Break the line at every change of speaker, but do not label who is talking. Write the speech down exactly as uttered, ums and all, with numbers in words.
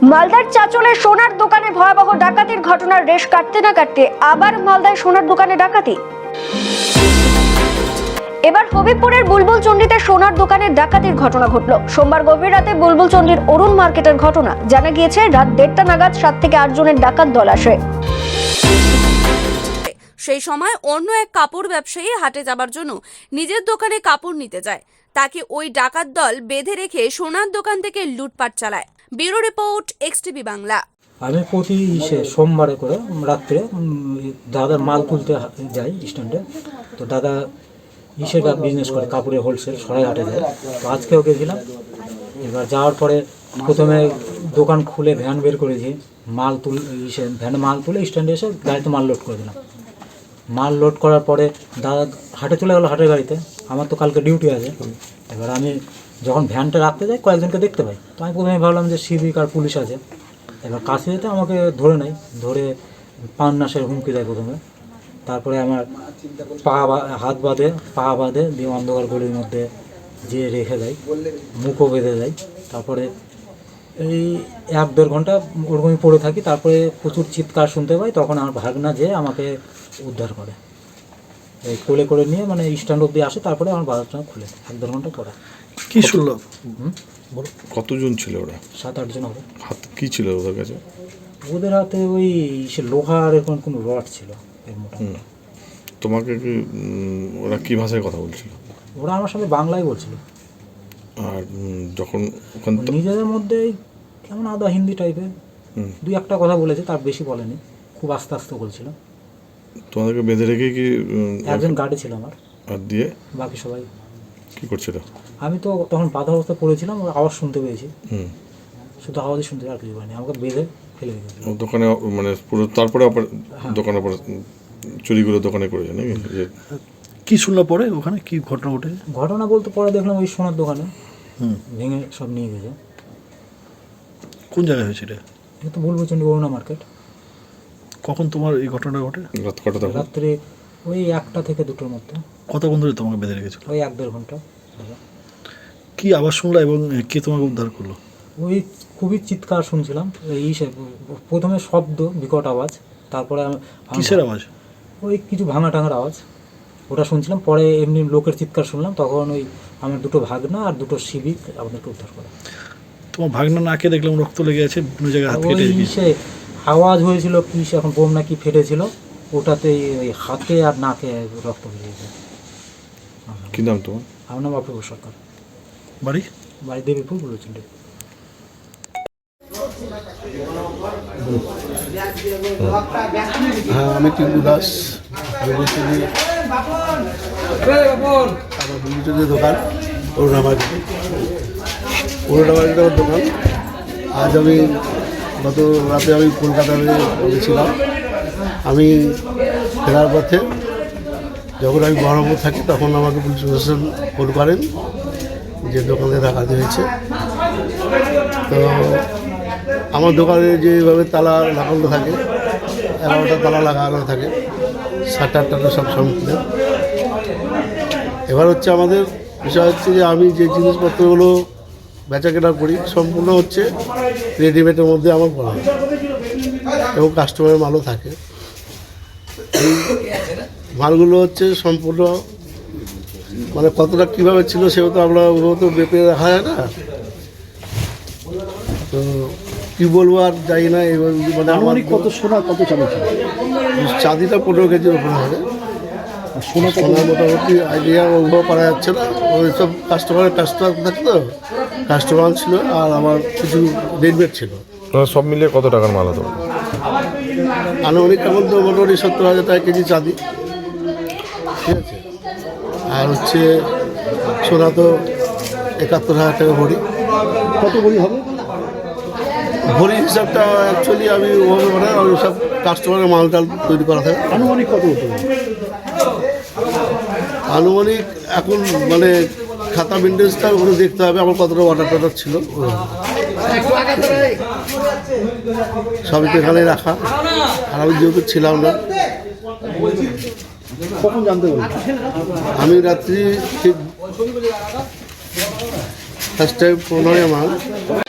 মালদার চাচলে সোনার দোকানে ভয়াবহ ডাকাতির ঘটনার রেশ কাটতে না কাটতে আবার মালদায় সোনার দোকানে ডাকাতি। এবার হবিবপুরের বুলবুল চন্ডিতে সোনার দোকানে ডাকাতির ঘটনা ঘটল। সোমবার গভীর রাতে বুলবুল চন্ডির অরুণ মার্কেটের ঘটনা। জানা গিয়েছে রাত দেড়টা নাগাদ সাত থেকে আট জনের ডাকাত দল আসে।
সেই সময় অন্য এক কাপড় ব্যবসায়ী হাটে যাবার জন্য নিজের দোকানে কাপড় নিতে যায়। তাকে ওই ডাকাত দল বেঁধে রেখে সোনার দোকান থেকে লুটপাট চালায়। Bureau report XTV Bangla.
আমি প্রতি সে সোমবারে করে রাত্রে দাদার মাল তুলতে যাই স্ট্যান্ডে। তো দাদা ইসের বিজনেস করে, কাপড়ের হোলসেল, সরাইহাটে যায়। তো আজকেও গেছিলাম। এবার যাওয়ার পরে প্রথমে দোকান খুলে ভ্যান বের করেছি, মাল তুল ইসে ভ্যানে মাল তুলে স্ট্যান্ডে এসে গাড়িতে মাল লোড করে দিলাম। মাল লোড করার পরে দাদা হাটে চলে গেলো, হাটের গাড়িতে। আমার তো কালকে ডিউটি আছে। এবার আমি যখন ভ্যানটা রাখতে যাই কয়েকজনকে দেখতে পাই। তো আমি প্রথমে ভাবলাম যে সিভিক আর পুলিশ আছে। এবার কাছে যেতে আমাকে ধরে নেয়, ধরে পান্নাসের হুমকি দেয় প্রথমে। তারপরে আমার পা হাত বাঁধে, পা বাঁধে দিয়ে অন্ধকার গলির মধ্যে যে রেখে দেয়, মুখও বেঁধে দেয়। তারপরে এই এক দেড় ঘন্টা ওরকমই পড়ে থাকি। তারপরে প্রচুর চিৎকার শুনতে পাই, তখন আমার ভাগনা যে আমাকে উদ্ধার করে, এই কোলে করে নিয়ে মানে স্ট্যান্ড অব্দি আসে। তারপরে আমার বাজারটা খুলে এক দেড় ঘন্টা পরে।
কি শুনল?
কতজন ছিল ওরা?
সাত আটজন হবে।
হাতে কি ছিল ওদের কাছে?
ওদের হাতে ওই সে লোহার এরকম কোনো রড ছিল এর মোটা।
তোমাকে কি উম, ওরা কি ভাষায় কথা বলছিল?
ওরা আমার সাথে বাংলায় বলছিল।
আর উম, যখন ওখান থেকে
নিজেদের মধ্যে কেমন আদা হিন্দি টাইপের দুই একটা কথা বলেছে, তার বেশি বলেনি। খুব আস্তে আস্তে বলছিল।
তোমাদেরকে বেঁধে রেখে কি উম,
একজন গার্ডে ছিল আমার,
আর দিয়ে
বাকি সবাই
কি করছিল?
আমি তো তখন বাধা অবস্থা পড়েছিলাম, ওর আওয়াজ শুনতে পেয়েছি,
হুম
শুধু আওয়াজই শুনতে আর কিছু পাইনি। আমাকে বেঁধে ফেলে দিয়েছিল
ও দোকানে মানে পুরো তারপরে অপার- দোকানে অপার- চুরিগুলো দোকানে করেছে নাকি? যে
কি শুনলো পরে? ওখানে কি ঘটনা ঘটে?
ঘটনা বলতে পরে দেখলাম ওই সোনার দোকানে ভেঙে সব নিয়ে গেছে।
কোন জায়গায় হয়েছিল?
এটা তো বলবো চন্ডী অরুণা মার্কেট।
কখন তোমার এই ঘটনাটা ঘটে?
রাত কটা তখন?
রাত্রে ওই একটা থেকে দুটোর মধ্যে,
কতক্ষণ ধরে তোমাকে বেঁধে রেখেছিল?
ওই এক দেড় ঘন্টা।
কি আওয়াজ শুনলা এবং কে তোমাকে উদ্ধার করলো?
ওই খুবই চিৎকার শুনছিলাম, এই সে প্রথমে শব্দ, বিকট আওয়াজ। তারপরে আমি
কিসের আওয়াজ?
ওই কিছু ভাঙা টাঙার আওয়াজ, ওটা শুনছিলাম। পরে এমনি লোকের চিৎকার শুনলাম, তখন ওই আমার দুটো ভাগনা আর দুটো সিভিক আমাদেরকে উদ্ধার করে।
তোমার ভাগনা নাকে দেখলাম রক্ত লেগে আছে, বিভিন্ন জায়গায় হাত কেটে
ওই সে আওয়াজ হয়েছিল কি সে এখন বোম নাকি ফেটেছিল, ওটাতে ওই হাতে আর নাকে রক্ত বেরিয়েছে।
কি নাম তোমার?
আমার নাম অপূর্ব সরকার,
বাড়ি?
বাড়ি দেবীপুর বলেছিল।
হ্যাঁ, আমি টিঙ্কু দাস। বুলবুলচন্ডী আমার বুলবুলচন্ডীর দোকান, অরুণা মার্কেটে। অরুণা মার্কেটে আমার দোকান। আজ আমি গত রাতে আমি কলকাতায় গেছিলাম। আমি ফেরার পথে যখন আমি বহরমপুর থাকি তখন আমাকে পুলিশ প্রশাসন ফোন করেন যে দোকানে ডাকাতি হয়েছে। তো আমার দোকানে যেভাবে তালা লাগানো থাকে, এগারোটা তালা লাগানো থাকে, সাত আটটা সব সম্পূর্ণ। এবার হচ্ছে আমাদের বিষয় হচ্ছে যে আমি যে জিনিসপত্রগুলো বেচা কেনা করি সম্পূর্ণ হচ্ছে রেডিমেডের মধ্যে আমার করা হয় এবং কাস্টমারের মালও থাকে। এই মালগুলো হচ্ছে সম্পূর্ণ মানে কতটা কীভাবে ছিল সেও তো আমরা ওগুলো তো বেপে রাখা যায় না। তো কী বলবো আর যাই না। এবার মানে আমার
কত সোনা, কত চাঁদি ছিল?
চাঁদিটা পনেরো কেজির উপরে হবে। সোনা সোনা মোটামুটি আইডিয়া ওগুলো পারা যাচ্ছে না। ওই সব কাস্টমারের কাস্টমার থাকে তো, কাস্টমার ছিল আর আমার কিছু রেডমেড ছিল।
তোমার সব মিলিয়ে কত টাকার মাল হতো?
আনুমানিক এখন তো মোটামুটি সত্তর হাজার টাকা কেজি চাঁদি, ঠিক আছে। আর হচ্ছে সোনা তো একাত্তর হাজার টাকা ভরি।
কত ভরি হবে?
ভরি হিসাবটা অ্যাকচুয়ালি আমি ওভাবে মানে ওই সব কাস্টমারের মাল টাল তৈরি করা থাকে।
আনুমানিক কত হতো?
আনুমানিক এখন মানে খাতা মেনটেন্সটা ওগুলো দেখতে হবে আমার কতটা অর্ডার টর্ডার ছিল, সবই তো এখানে রাখা। আর আমি যেহেতু ছিলাম না।
কখন জানতে পারবো?
আমি রাত্রি ঠিক ফার্স্ট টাইম পনেরোই মাল